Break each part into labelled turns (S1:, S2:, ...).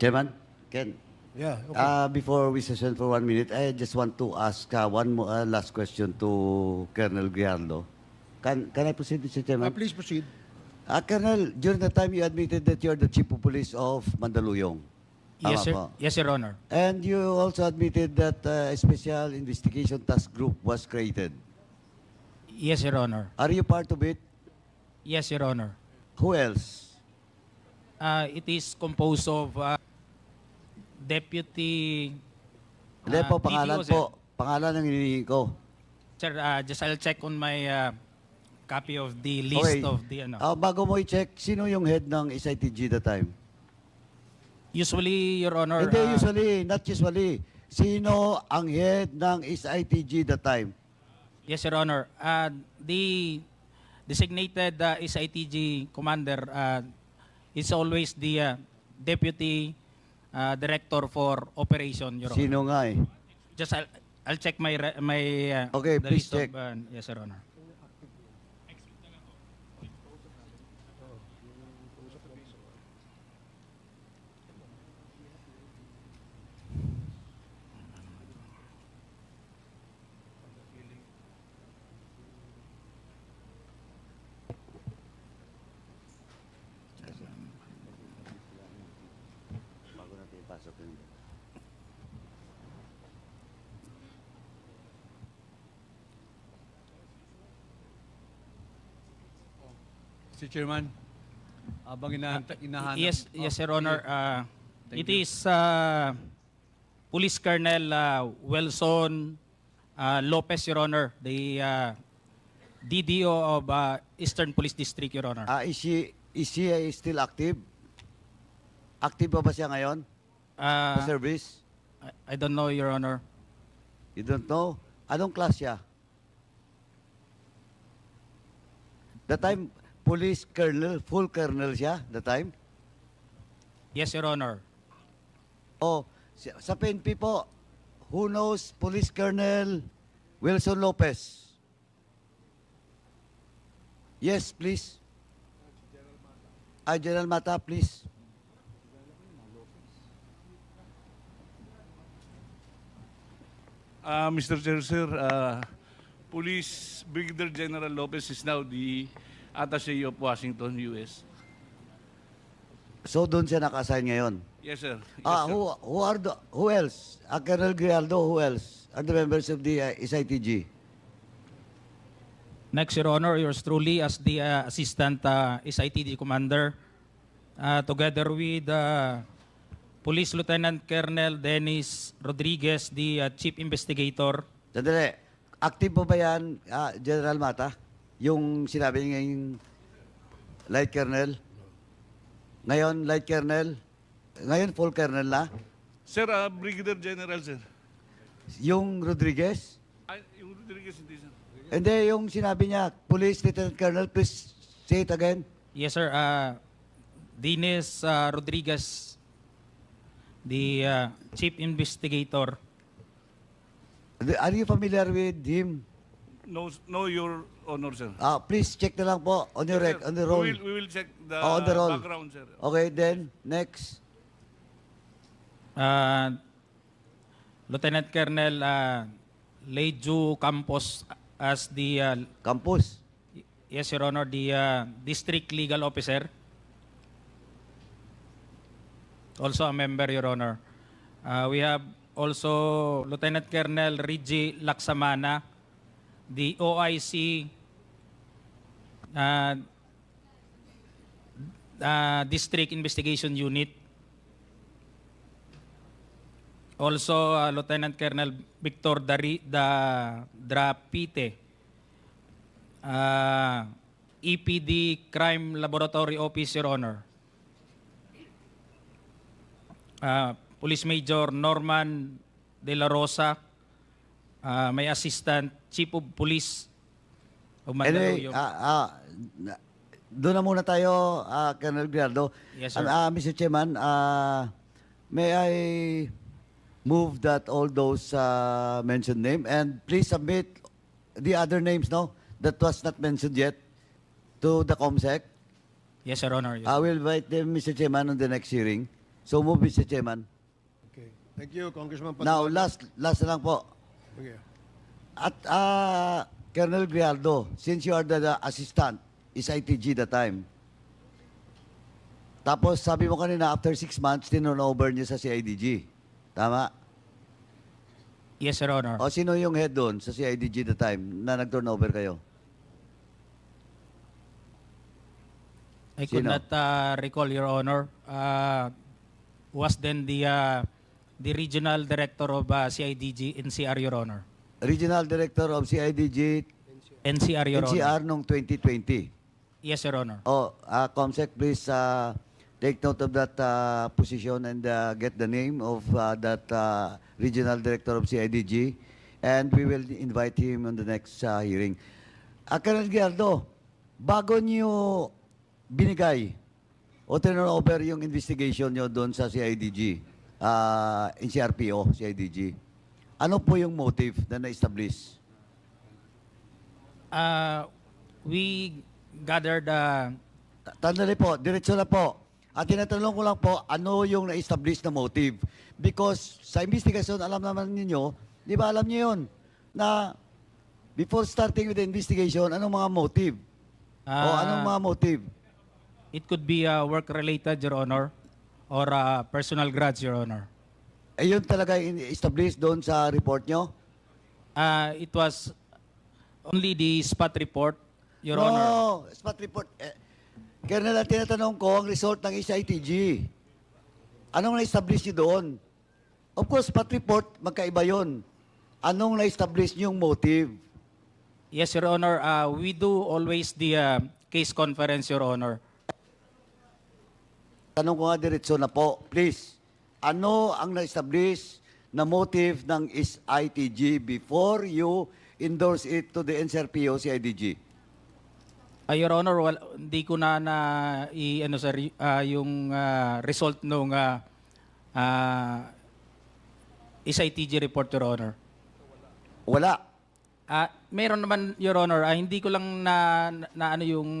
S1: Chairman, Ken,
S2: Yeah, okay.
S1: before we session for 1 minute, I just want to ask one more, last question to Colonel Grialdo. Can I proceed, Mr. Chairman?
S2: Please proceed.
S1: Colonel, during the time you admitted that you're the Chief of Police of Mandaluyong.
S3: Yes,
S1: Tama
S3: sir.
S1: po.
S3: Yes, Your Honor.
S1: And you also admitted that a special investigation task group was created.
S3: Yes, Your Honor.
S1: Are you part of it?
S3: Yes, Your Honor.
S1: Who else?
S3: It is composed of Deputy
S1: Hindi po, pangalan
S3: DPO, sir.
S1: po. Pangalan ang hinihingi ko.
S3: Sir, just I'll check on my copy of the list of the ano.
S1: Bago mo i-check, sino yung head ng SITG that time?
S3: Usually, Your Honor,
S1: Hindi usually, not usually. Sino ang head ng SITG that time?
S3: yes, Your Honor. The designated SITG commander is always the Deputy Director for Operation, Your Honor.
S1: Sino nga eh?
S3: Just I'll check my
S1: Okay,
S3: the
S1: please
S3: list
S1: check.
S3: of yes, Your Honor.
S1: Bago natin ipasok yun.
S2: Mr. Chairman, habang inahanap.
S3: Yes, yes, Your Honor.
S2: Thank
S3: It
S2: you.
S3: is Police Colonel Wilson Lopez, Your Honor, the DDO of Eastern Police District, Your Honor.
S1: Is she still active? Active pa ba siya ngayon? Sa
S3: Uh,
S1: service?
S3: I don't know, Your Honor.
S1: You don't know? Anong class siya? The time, police colonel, full colonel siya, the time?
S3: Yes, Your Honor.
S1: O, sa PNP po, who knows Police Colonel Wilson Lopez? Yes, please. General Mata, please.
S4: Mr. Chair, sir, Police Brigadier General Lopez is now the Attaché of Washington, U.S.
S1: So, doon siya naka-assign ngayon.
S4: Yes, sir. Yes, sir.
S1: Who else? Colonel Grialdo, who else? Are the members of the SITG?
S3: Next, Your Honor, yours truly as the Assistant SITD Commander, together with Police Lieutenant Colonel Dennis Rodriguez, the Chief Investigator.
S1: Sandali. Active po ba yan, General Mata? Yung sinabi niya yung Light Colonel? Ngayon, Light Colonel? Ngayon, Full Colonel na?
S4: Sir, Brigadier General, sir.
S1: Yung Rodriguez?
S4: Ay, yung Rodriguez, hindi, sir.
S1: Hindi, yung sinabi niya, Police Lieutenant Colonel, please say it again.
S3: Yes, sir. Dennis Rodriguez, the Chief Investigator.
S1: Are you familiar with him?
S4: No, Your Honor, sir.
S1: Please check na lang po on your
S4: Yes, sir.
S1: on the roll.
S4: We will check the,
S1: On the roll.
S4: background, sir.
S1: Okay, then, next.
S3: Lieutenant Colonel Leju Campos as the
S1: Campus.
S3: yes, Your Honor, the District Legal Officer. Also a member, Your Honor. We have also Lieutenant Colonel Reggie Laksamana, the OIC District Investigation Unit. Also, Lieutenant Colonel Victor Drapite, EPD Crime Laboratory Office, Your Honor. Police Major Norman De La Rosa, may Assistant Chief of Police of
S1: Anyway,
S3: Mandaluyong.
S1: doon na muna tayo, Colonel Grialdo.
S3: Yes, sir.
S1: Mr. Chairman, may I move that all those mentioned name and please submit the other names, no, that was not mentioned yet to the COMSEC.
S3: Yes, Your Honor. Yes.
S1: I will invite them, Mr. Chairman, on the next hearing. So move, Mr. Chairman.
S5: Okay. Thank you, Congressman
S1: Now,
S5: Paduano.
S1: last na lang po.
S5: Okay.
S1: At Colonel Grialdo, since you are the assistant, is ITG that time. Tapos sabi mo kanina, after 6 months, tinurnover niyo sa CIDG. Tama?
S3: Yes, Your Honor.
S1: O sino yung head doon sa CIDG that time na nag-turnover kayo?
S3: I could
S1: Sino?
S3: not recall, Your Honor. Was then the regional director of CIDG NCR, Your Honor.
S1: Regional Director of CIDG,
S3: NCR, Your
S1: NCR
S3: Honor.
S1: noong 2020.
S3: Yes, Your Honor.
S1: Comsec, please take note of that position and get the name of that Regional Director of CIDG, and we will invite him on the next hearing. Colonel Giardo, bago niyo binigay o turnover yung investigation niyo doon sa CIDG, NCRPO, CIDG, ano po yung motive na na-establish?
S3: We gathered
S1: Tandali po, diretso na po. At tinatanong ko lang po, ano yung na-establish na motive? Because sa investigation, alam naman ninyo, di ba alam niyo yun, na before starting with the investigation, anong mga motive? O anong mga motive?
S3: It could be work-related, Your Honor, or personal grudge, Your Honor.
S1: Yun talaga establish doon sa report nyo?
S3: It was only the spot report, Your
S1: no,
S3: Honor.
S1: spot report. Colonel, ang tinatanong ko, ang result ng SITG. Anong na-establish nyo doon? Of course, spot report, magkaiba yun. Anong na-establish nyo yung motive?
S3: Yes, Your Honor. We do always the case conference, Your Honor.
S1: Tanong ko nga diretso na po, please. Ano ang na-establish na motive ng SITG before you endorse it to the NCRPO CIDG?
S3: Your Honor, hindi ko na ano sir, yung result nung SITG report, Your Honor.
S1: Wala.
S3: Meron naman, Your Honor, hindi ko lang na ano yung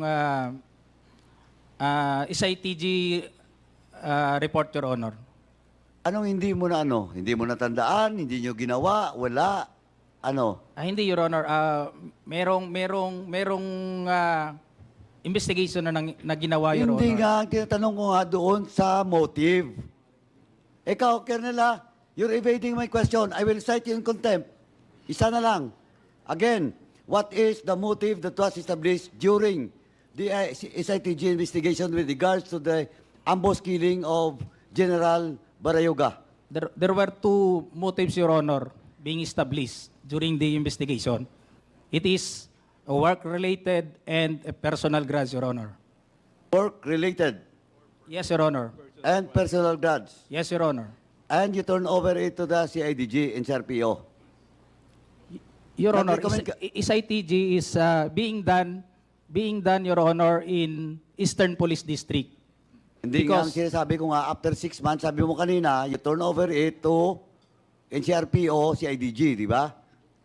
S3: SITG report, Your Honor.
S1: Anong hindi mo na ano? Hindi mo natandaan? Hindi nyo ginawa? Wala? Ano?
S3: Hindi, Your Honor. Merong investigation na ginawa, Your
S1: Hindi
S3: Honor.
S1: nga, ang tinatanong ko nga doon sa motive. Ikaw, Colonel, you're evading my question. I will cite you in contempt. Isa na lang. Again, what is the motive that was established during the SITG investigation with regards to the ambush killing of General Barayoga?
S3: There were two motives, Your Honor, being established during the investigation. It is a work-related and a personal grudge, Your Honor.
S1: Work-related
S3: Yes, Your Honor.
S1: and personal grudge.
S3: Yes, Your Honor.
S1: And you turn over it to the CIDG and CRPO.
S3: Your Honor,
S1: Nag-recommend ka-
S3: SITG is being done, Your Honor, in Eastern Police District.
S1: Hindi nga ang
S3: Because-
S1: sinasabi ko nga, after 6 months, sabi mo kanina, you turn over it to NCRPO, CIDG, di ba?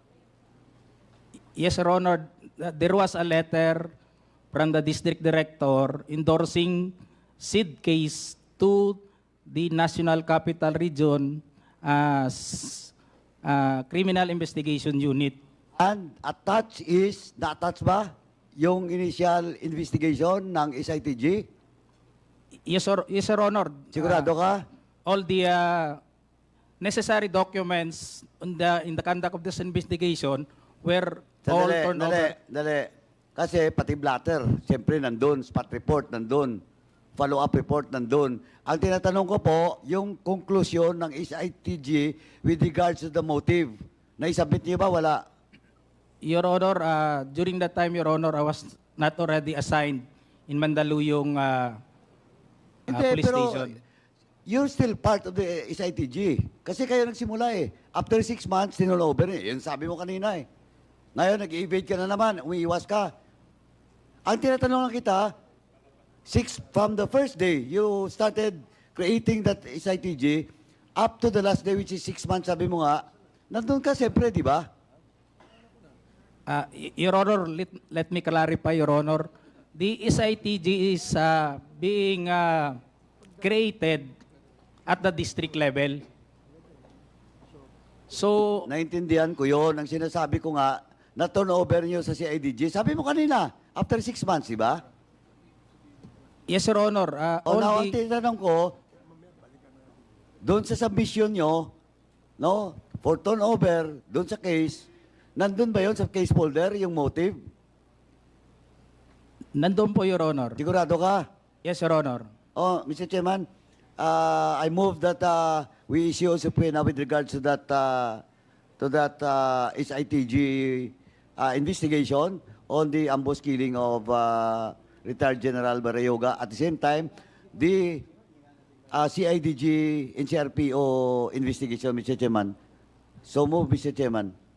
S3: Yes, Your Honor. There was a letter from the district director endorsing SID case to the National Capital Region Criminal Investigation Unit.
S1: And attached is, na-attach ba yung initial investigation ng SITG?
S3: Yes, Your Honor.
S1: Sigurado ka?
S3: All the necessary documents in the conduct of this investigation were all turned over.
S1: Dali. Kasi pati blatter, siyempre nandun, spot report nandun, follow-up report nandun. Ang tinatanong ko po, yung conclusion ng SITG with regards to the motive, naisabit niyo ba? Wala.
S3: Your Honor, during that time, Your Honor, I was not already assigned in Mandaluyong police station.
S1: You're still part of the SITG. Kasi kayo nagsimula eh. After 6 months, tinulover eh. Yun sabi mo kanina eh. Ngayon, nag-evade ka na naman, umiiwas ka. Ang tinatanong lang kita, from the first day, you started creating that SITG, up to the last day, which is 6 months, sabi mo nga, nandun ka siyempre, di ba?
S3: Your Honor, let me clarify, Your Honor. The SITG is being created at the district level. So,
S1: Naintindihan ko yun. Ang sinasabi ko nga, na turnover nyo sa CIDG. Sabi mo kanina, after 6 months, di ba?
S3: yes, Your Honor.
S1: O now, ang
S3: Only,
S1: tinatanong ko, doon sa submission nyo, no, for turnover, doon sa case, nandun ba yun sa case folder, yung motive?
S3: nandun po, Your Honor.
S1: Sigurado ka?
S3: Yes, Your Honor.
S1: Oh, Mr. Chairman, I move that we issue a subpoena with regards to that SITG investigation on the ambush killing of retired General Barayoga. At the same time, the CIDG NCRPO investigation, Mr. Chairman. So move, Mr. Chairman.